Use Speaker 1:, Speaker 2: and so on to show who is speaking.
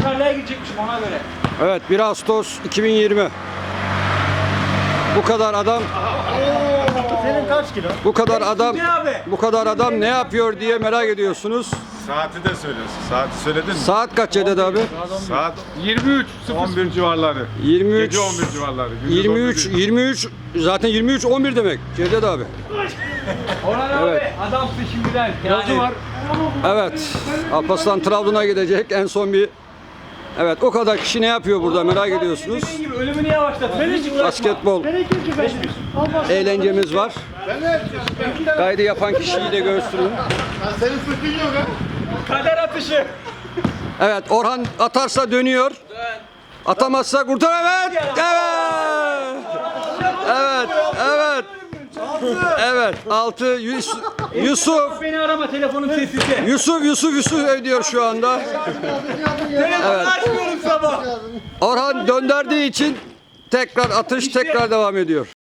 Speaker 1: Avustralya'ya gidecekmişim ona göre.
Speaker 2: Evet, 1 Ağustos 2020. Bu kadar adam,
Speaker 3: Senin kaç kilo?
Speaker 2: bu kadar adam ne yapıyor diye merak ediyorsunuz.
Speaker 4: Saati de söylüyorsun. Saati söyledin mi?
Speaker 2: Saat kaç Cevdet abi?
Speaker 4: Saat 23, 11 civarları.
Speaker 2: 23,
Speaker 4: Gece 11 civarları. gündüz
Speaker 2: 23,
Speaker 4: 11 değil.
Speaker 2: 23, zaten 23, 11 demek Cevdet abi.
Speaker 1: Orhan abi
Speaker 2: Evet.
Speaker 1: adamsın şimdiden. Yani.
Speaker 4: var.
Speaker 2: Evet, Alparslan Trabzon'a gidecek en son bir... Evet, o kadar kişi ne yapıyor burada merak ediyorsunuz.
Speaker 1: Dediğin gibi ölümünü yavaşlat. Hiç uğraşma.
Speaker 2: Basketbol eğlencemiz var. Kaydı yapan kişiyi de göstereyim.
Speaker 3: Senin sırtın yok ha.
Speaker 1: Kader atışı.
Speaker 2: Evet, Orhan atarsa dönüyor. Atamazsa kurtar. Evet. Evet. Evet. Evet. Evet. 6 Yusuf.
Speaker 1: Beni arama telefonum sessizde.
Speaker 2: Yusuf ödüyor şu anda.
Speaker 1: Telefonu açmıyorum sabah.
Speaker 2: Orhan döndürdüğü için tekrar atış tekrar devam ediyor.